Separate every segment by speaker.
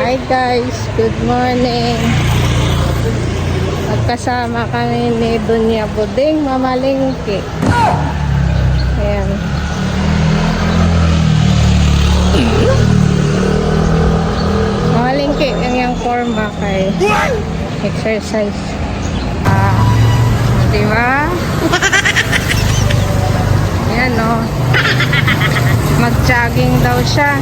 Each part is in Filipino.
Speaker 1: Hi guys, good morning. Magkasama kami ni Dunya Buding mamalingki. Ayan. Mamalingki ang yung forma kay exercise. Diba? Ayan o. Mag-jogging daw siya.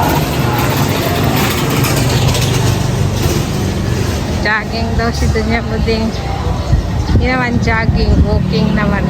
Speaker 1: Jogging daw si Dunya Buding. Hindi naman jogging, walking naman.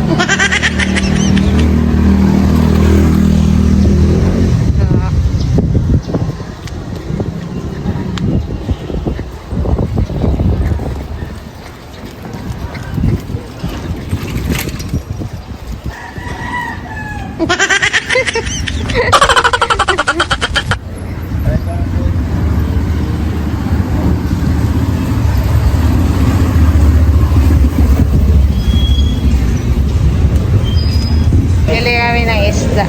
Speaker 1: Pili kami ng isda.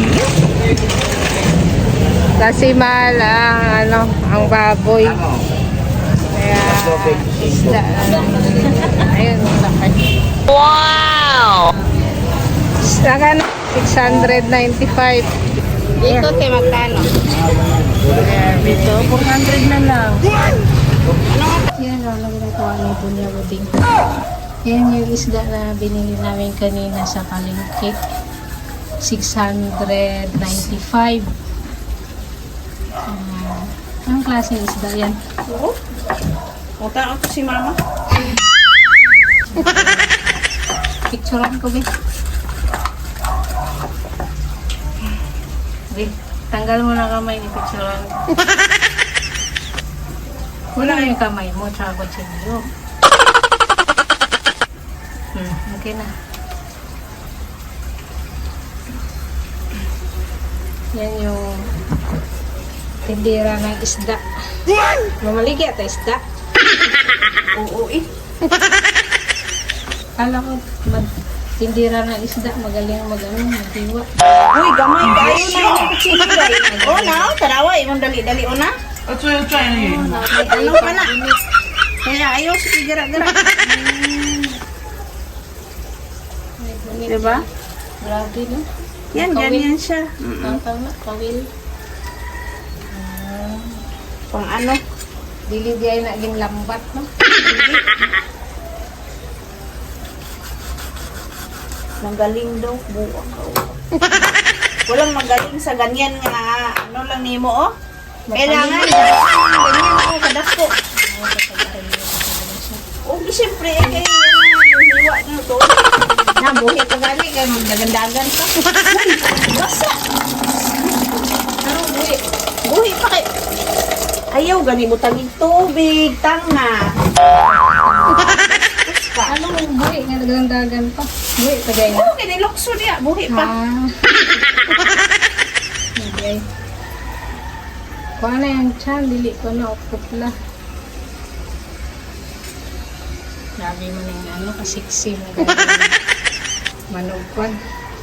Speaker 1: Kasi mahal ang baboy. Kaya isda. Ayun, laki. Wow! Isda ka na. 695.
Speaker 2: Dito te magkano?
Speaker 1: Dito, 400 na lang. Yan, lagi na ito ang Dunya Buding. Yan yung isda na binili namin kanina sa palengke. 695. Anong klaseng isda yan?
Speaker 2: Oo. Punta ako si mama.
Speaker 1: Picturean ko, be. Be, tanggal mo na kamay ni picturean. Wala yung kamay mo, tsaka kutsilyo. Okay na. Yan yung tindira ng isda. Mamaligi at isda.
Speaker 2: Oo eh.
Speaker 1: Kala ko tindira ng isda, magaling magdiwa.
Speaker 2: Uy, gamay kayo na yung kuchilay. Oo na, tarawa. Imong dali-dali o na.
Speaker 3: Try na yun.
Speaker 2: Ano ka na? Kaya ayaw si gara-gara. Diba?
Speaker 1: Grabe, no?
Speaker 2: Yan, ganyan siya.
Speaker 1: Tama, kawil.
Speaker 2: Pang ano?
Speaker 1: Dili di ay naging lambat, no?
Speaker 2: Magaling daw. Buwak ka. Walang magaling sa ganyan nga. Ano lang nimo, oh? Kailangan. Ganyan ako, kadako. Oh, siyempre, eh, kaya yung hiwa nyo to.
Speaker 1: Nabuhi pa gani, kaya magdagandagan pa.
Speaker 2: Basa.
Speaker 1: Ano, buhi?
Speaker 2: Buhi pa kay. Ayaw, gani mo tagig tubig. Tanga.
Speaker 1: Ano yung buhi nga nagdagandagan pa? Buhi pa gaya.
Speaker 2: Oo, kinilokso niya. Buhi pa.
Speaker 1: Okay. Kuha na yung chan, dili ko na putla. Grabe mo na yung kasiksi na gano'n. Manog kwan.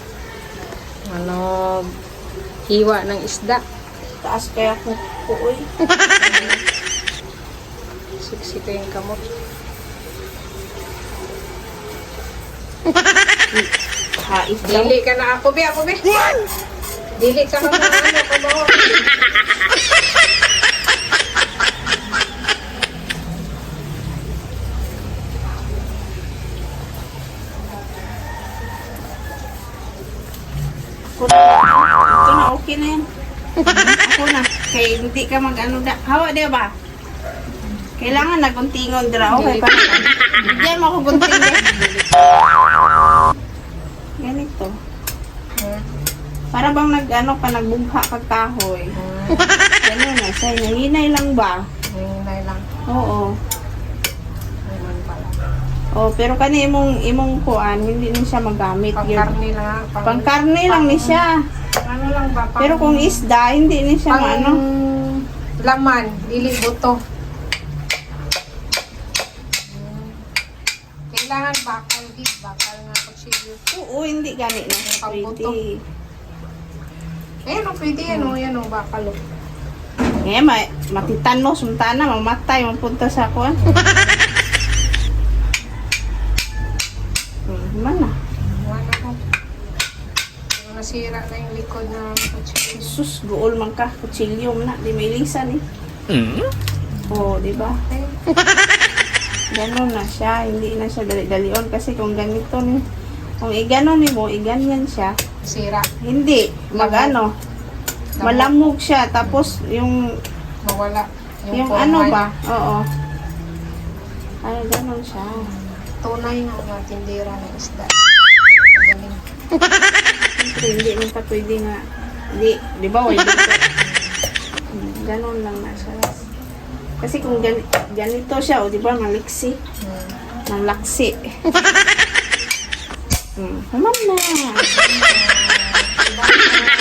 Speaker 1: Manog. Hiwa ng isda.
Speaker 2: Taas kaya ko uy.
Speaker 1: Siksi ko yung kamot.
Speaker 2: Hait daw.
Speaker 1: Dili ka na ako, be. Dili ka na kabaho.
Speaker 2: Ito na, okay na yan. Ako na. Kaya hindi ka mag-ano da. Hawa, di ba? Kailangan naguntingon dira. Okay pa. Bigyan mo ako gunting din. Ganito. Para bang nag-ano ka, nagbugha kag kahoy. Ganun na, say, nahinay lang ba?
Speaker 1: Hinay lang.
Speaker 2: Oo.
Speaker 1: Ayun pala.
Speaker 2: Oh, pero kani imong kuan, hindi ni siya magamit.
Speaker 1: Pangkarni lang.
Speaker 2: Pangkarne lang ni siya.
Speaker 1: Ano lang ba?
Speaker 2: Pero kung isda, hindi ni siya ano.
Speaker 1: Laman, dili buto. Kailangan bakal, bakal nga kutsilyo.
Speaker 2: Oo, hindi gani na.
Speaker 1: Pambuto.
Speaker 2: Pwede.
Speaker 1: Ayan o, pwede yan o, yan o, bakal o.
Speaker 2: Eh, matitanos, suntana, mamatay, mapunta sa kuan. Mana?
Speaker 1: Wala ko. Nasira na yung likod ng kutsilyo.
Speaker 2: Jesus, guol man ka, kutsilyo man na, di may lisan eh. Oh, di ba? Ganon na siya, hindi na siya dali-dalion kasi kung ganito ni, kung iganon ni mo, iganyan siya,
Speaker 1: Sira.
Speaker 2: hindi, magano, malamog siya, tapos yung
Speaker 1: Mawala.
Speaker 2: yung
Speaker 1: forma
Speaker 2: ano
Speaker 1: niya.
Speaker 2: ba, oo. Ay, ganon siya.
Speaker 1: Tunay na mga tindera ng isda. Magaling.
Speaker 2: Siyempre, hindi mo ka pwede nga, hindi, di ba, wala dito. Ganon lang na siya. Kasi kung ganito siya, o di ba, maliksi. Malaksi. Mama na.